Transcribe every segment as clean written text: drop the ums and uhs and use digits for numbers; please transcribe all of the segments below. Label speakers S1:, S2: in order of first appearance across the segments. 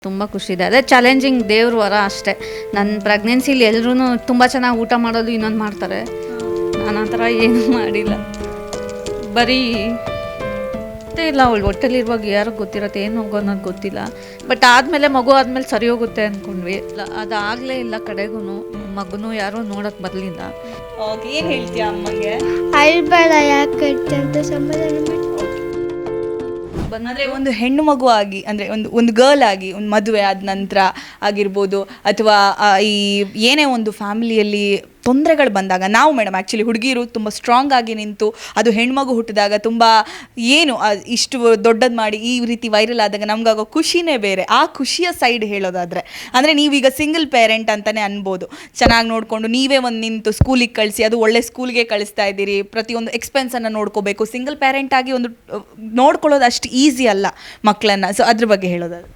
S1: ತುಂಬ ಖುಷಿ ಇದೆ. ಅದೇ ಚಾಲೆಂಜಿಂಗ್ ದೇವ್ರ ವರ ಅಷ್ಟೇ. ನನ್ನ ಪ್ರೆಗ್ನೆನ್ಸಿಲಿ ಎಲ್ಲರೂ ತುಂಬ ಚೆನ್ನಾಗಿ ಊಟ ಮಾಡೋದು ಇನ್ನೊಂದು ಮಾಡ್ತಾರೆ. ನಾನು ಆ ಥರ ಏನೂ ಮಾಡಿಲ್ಲ. ಬರೀ ಇಲ್ಲ, ಅವಳು ಹೊಟ್ಟೆಲಿರುವಾಗ ಯಾರಿಗೆ ಗೊತ್ತಿರತ್ತೆ ಏನು ಹೋಗೋ ಅನ್ನೋದು ಗೊತ್ತಿಲ್ಲ. ಬಟ್ ಆದಮೇಲೆ ಮಗು ಆದಮೇಲೆ ಸರಿ ಹೋಗುತ್ತೆ ಅಂದ್ಕೊಂಡ್ವಿ. ಅದಾಗಲೇ ಇಲ್ಲ, ಕಡೆಗೂ ಮಗನೂ ಯಾರೂ ನೋಡೋಕ್ಕೆ ಬರಲಿಲ್ಲ.
S2: ಏನು ಹೇಳ್ತೀಯ ಅಮ್ಮಗೆ?
S3: ಅಳ್ಬೇಡ ಯಾಕೆ ಅಂತ ಸಮಾಧಾನ ಮಾಡಿ.
S2: ಅಂದರೆ ಒಂದು ಹೆಣ್ಣು ಮಗು ಆಗಿ, ಅಂದರೆ ಒಂದು ಗರ್ಲ್ ಆಗಿ ಒಂದು ಮದುವೆ ಆದ ನಂತರ ಆಗಿರ್ಬೋದು, ಅಥವಾ ಈ ಏನೇ ಒಂದು ಫ್ಯಾಮಿಲಿಯಲ್ಲಿ ತೊಂದರೆಗಳು ಬಂದಾಗ ನಾವು ಮೇಡಮ್ ಆ್ಯಕ್ಚುಲಿ ಹುಡುಗಿರು ತುಂಬ ಸ್ಟ್ರಾಂಗ್ ಆಗಿ ನಿಂತು, ಅದು ಹೆಣ್ಮಗು ಹುಟ್ಟಿದಾಗ ತುಂಬ ಏನು ಇಷ್ಟು ದೊಡ್ಡದು ಮಾಡಿ ಈ ರೀತಿ ವೈರಲ್ ಆದಾಗ ನಮಗಾಗೋ ಖುಷಿನೇ ಬೇರೆ. ಆ ಖುಷಿಯ ಸೈಡ್ ಹೇಳೋದಾದರೆ, ಅಂದರೆ ನೀವೀಗ ಸಿಂಗಲ್ ಪೇರೆಂಟ್ ಅಂತಲೇ ಅನ್ಬೋದು. ಚೆನ್ನಾಗಿ ನೋಡಿಕೊಂಡು ನೀವೇ ಒಂದು ನಿಂತು ಸ್ಕೂಲಿಗೆ ಕಳಿಸಿ, ಅದು ಒಳ್ಳೆ ಸ್ಕೂಲ್ಗೆ ಕಳಿಸ್ತಾ ಇದ್ದೀರಿ, ಪ್ರತಿಯೊಂದು ಎಕ್ಸ್ಪೆನ್ಸನ್ನು ನೋಡ್ಕೋಬೇಕು. ಸಿಂಗಲ್ ಪೇರೆಂಟ್ ಆಗಿ ಒಂದು ನೋಡ್ಕೊಳ್ಳೋದು ಅಷ್ಟು ಈಸಿ ಅಲ್ಲ ಮಕ್ಕಳನ್ನು. ಸೊ ಅದ್ರ ಬಗ್ಗೆ ಹೇಳೋದಾದ್ರೆ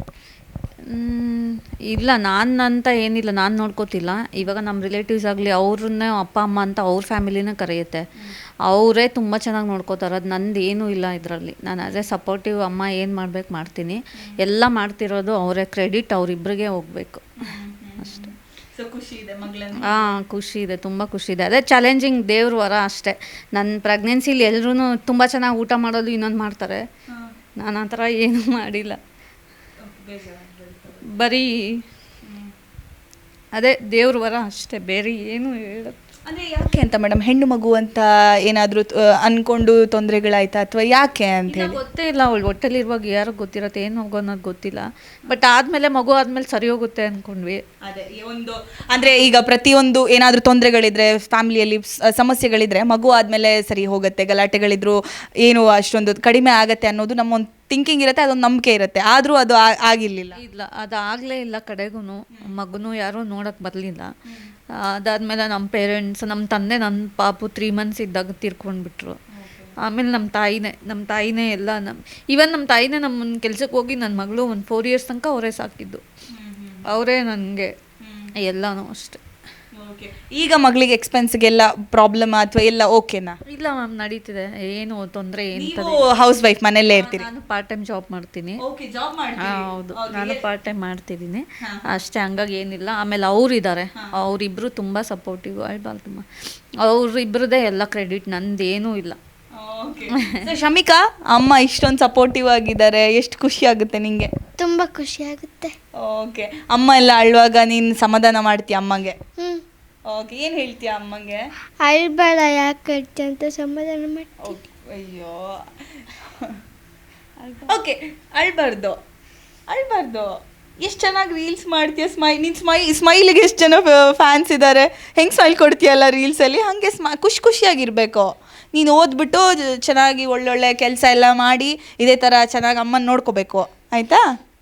S1: ಇಲ್ಲ, ನಾನು ಅಂತ ಏನಿಲ್ಲ, ನಾನು ನೋಡ್ಕೋತಿಲ್ಲ. ಇವಾಗ ನಮ್ಮ ರಿಲೇಟಿವ್ಸ್ ಆಗಲಿ ಅವ್ರನ್ನೇ ಅಪ್ಪ ಅಮ್ಮ ಅಂತ ಅವ್ರ ಫ್ಯಾಮಿಲಿನೇ ಕರೆಯುತ್ತೆ. ಅವರೇ ತುಂಬ ಚೆನ್ನಾಗಿ ನೋಡ್ಕೋತಾರೆ. ಅದು ನಂದು ಏನೂ ಇಲ್ಲ ಇದರಲ್ಲಿ. ನಾನು ಅದೇ ಸಪೋರ್ಟಿವ್ ಅಮ್ಮ, ಏನು ಮಾಡ್ಬೇಕು ಮಾಡ್ತೀನಿ, ಎಲ್ಲ ಮಾಡ್ತಿರೋದು ಅವರೇ. ಕ್ರೆಡಿಟ್ ಅವರಿಬ್ಬರಿಗೆ ಹೋಗಬೇಕು ಅಷ್ಟೇ. ಹಾಂ, ಖುಷಿ ಇದೆ, ತುಂಬ ಖುಷಿ ಇದೆ. ಅದೇ ಚಾಲೆಂಜಿಂಗ್ ದೇವ್ರ ವರ ಅಷ್ಟೇ. ನನ್ನ ಪ್ರೆಗ್ನೆನ್ಸಿಲಿ ಎಲ್ಲರೂ ತುಂಬ ಚೆನ್ನಾಗಿ ಊಟ ಮಾಡೋದು ಇನ್ನೊಂದು ಮಾಡ್ತಾರೆ. ನಾನು ಆ ಥರ ಏನೂ ಮಾಡಿಲ್ಲ. ಬರೀ ಅದೇ ದೇವ್ರ ವರ ಅಷ್ಟೇ, ಬೇರೆ ಏನು ಹೇಳೋದು.
S2: ಅಂದರೆ ಯಾಕೆ ಅಂತ ಮೇಡಮ್, ಹೆಣ್ಣು ಮಗು ಅಂತ ಏನಾದರೂ ಅಂದ್ಕೊಂಡು ತೊಂದರೆಗಳಾಯ್ತಾ, ಅಥವಾ ಯಾಕೆ ಅಂತ ಹೇಳಿ?
S1: ಗೊತ್ತೇ ಇಲ್ಲ, ಅವಳು ಹೊಟ್ಟೆಲಿರುವಾಗ ಯಾರಿಗೆ ಗೊತ್ತಿರತ್ತೆ ಏನು ಹೋಗೋ ಅನ್ನೋದು ಗೊತ್ತಿಲ್ಲ. ಬಟ್ ಆದಮೇಲೆ ಮಗು ಆದಮೇಲೆ ಸರಿ ಹೋಗುತ್ತೆ ಅಂದ್ಕೊಂಡ್ವಿ.
S2: ಅದೇ ಒಂದು ಅಂದರೆ ಈಗ ಪ್ರತಿಯೊಂದು ಏನಾದರೂ ತೊಂದರೆಗಳಿದ್ರೆ, ಫ್ಯಾಮಿಲಿಯಲ್ಲಿ ಸಮಸ್ಯೆಗಳಿದ್ರೆ ಮಗು ಆದಮೇಲೆ ಸರಿ ಹೋಗುತ್ತೆ, ಗಲಾಟೆಗಳಿದ್ರು ಏನು ಅಷ್ಟೊಂದು ಕಡಿಮೆ ಆಗುತ್ತೆ ಅನ್ನೋದು ನಮ್ಮ ಒಂದು ಥಿಂಕಿಂಗ್ ಇರುತ್ತೆ, ಅದೊಂದು ನಂಬಿಕೆ ಇರುತ್ತೆ. ಆದರೂ ಅದು ಆಗಿರಲಿಲ್ಲ.
S1: ಇಲ್ಲ, ಅದಾಗಲೇ ಇಲ್ಲ, ಕಡೆಗೂ ಮಗನೂ ಯಾರೂ ನೋಡೋಕ್ಕೆ ಬರಲಿಲ್ಲ. ಅದಾದಮೇಲೆ ನಮ್ಮ ಪೇರೆಂಟ್ಸ್, ನಮ್ಮ ತಂದೆ, ನನ್ನ ಪಾಪು 3 months ಇದ್ದಾಗ ತೀರ್ಕೊಂಡ್ಬಿಟ್ರು. ಆಮೇಲೆ ನಮ್ಮ ತಾಯಿನೇ ಎಲ್ಲ ಈವನ್ ನಮ್ಮ ತಾಯಿನೇ ನಮ್ಮನ್ನು ಕೆಲ್ಸಕ್ಕೆ ಹೋಗಿ ನನ್ನ ಮಗಳು ಒಂದು 4 years ತನಕ ಅವರೇ ಸಾಕಿದ್ದು. ಅವರೇ ನನಗೆ ಎಲ್ಲನೂ ಅಷ್ಟೆ.
S2: ಈಗ ಮಗಳಿಗೆ ಎಕ್ಸ್ಪೆನ್ಸ್ಗೆಲ್ಲ ಪ್ರಾಬ್ಲಮ್ ಅಥವಾ ಎಲ್ಲ ಓಕೆನಾ?
S1: ಇಲ್ಲ ಮ್ಯಾಮ್, ನಡೀತಿದೆ, ಏನು ತೊಂದರೆ ಏನು.
S2: ಹೌಸ್ ವೈಫ್, ಮನೆಯಲ್ಲೇ ಇರ್ತೀರಿ?
S1: ನಾನು ಪಾರ್ಟ್ ಟೈಮ್ ಜಾಬ್ ಮಾಡ್ತೀನಿ. ಹೌದು, ನಾನು ಪಾರ್ಟ್ ಟೈಮ್ ಮಾಡ್ತಿದ್ದೀನಿ ಅಷ್ಟೇ, ಹಂಗಾಗಿ ಏನಿಲ್ಲ. ಆಮೇಲೆ ಅವರಿದ್ದಾರೆ, ಅವರಿಬ್ಬರು ತುಂಬ ಸಪೋರ್ಟಿವ್. ಅಳ್ಬಾರ್ದಮ್ಮ, ಅವರಿಬ್ಬರದೇ ಎಲ್ಲ ಕ್ರೆಡಿಟ್, ನಂದೇನೂ ಇಲ್ಲ.
S2: ಶಮಿಕಾ, ಅಮ್ಮ ಇಷ್ಟೊಂದು ಸಪೋರ್ಟಿವ್ ಆಗಿದ್ದಾರೆ, ಎಷ್ಟು ಖುಷಿ ಆಗುತ್ತೆ ನಿಂಗೆ?
S3: ತುಂಬ ಖುಷಿ ಆಗುತ್ತೆ.
S2: ಓಕೆ, ಅಮ್ಮ ಎಲ್ಲ ಅಳುವಾಗ ನೀನು ಸಮಾಧಾನ ಮಾಡ್ತೀಯ ಅಮ್ಮಗೆ? ಓಕೆ, ಏನು ಹೇಳ್ತೀಯ ಅಮ್ಮಂಗೆ?
S3: ಅಳ್ಬೇಡ ಯಾಕೆ ಅಂತ ಸಮಾಧಾನ ಮಾಡಿ.
S2: ಅಯ್ಯೋ, ಓಕೆ, ಅಳ್ಬಾರ್ದು. ಎಷ್ಟು ಚೆನ್ನಾಗಿ ರೀಲ್ಸ್ ಮಾಡ್ತೀಯ. ನಿನ್ನ ಸ್ಮೈಲಿಗೆ ಎಷ್ಟು ಜನ ಫ್ಯಾನ್ಸ್ ಇದ್ದಾರೆ. ಹೆಂಗೆ ಸ್ಮೈಲ್ ಕೊಡ್ತೀಯಲ್ಲ ರೀಲ್ಸಲ್ಲಿ, ಹಾಗೆ ಖುಷಿಯಾಗಿರಬೇಕು. ನೀನು ಓದ್ಬಿಟ್ಟು ಚೆನ್ನಾಗಿ ಒಳ್ಳೊಳ್ಳೆ ಕೆಲಸ ಎಲ್ಲ ಮಾಡಿ ಇದೇ ಥರ ಚೆನ್ನಾಗಿ ಅಮ್ಮನ ನೋಡ್ಕೋಬೇಕು, ಆಯಿತಾ?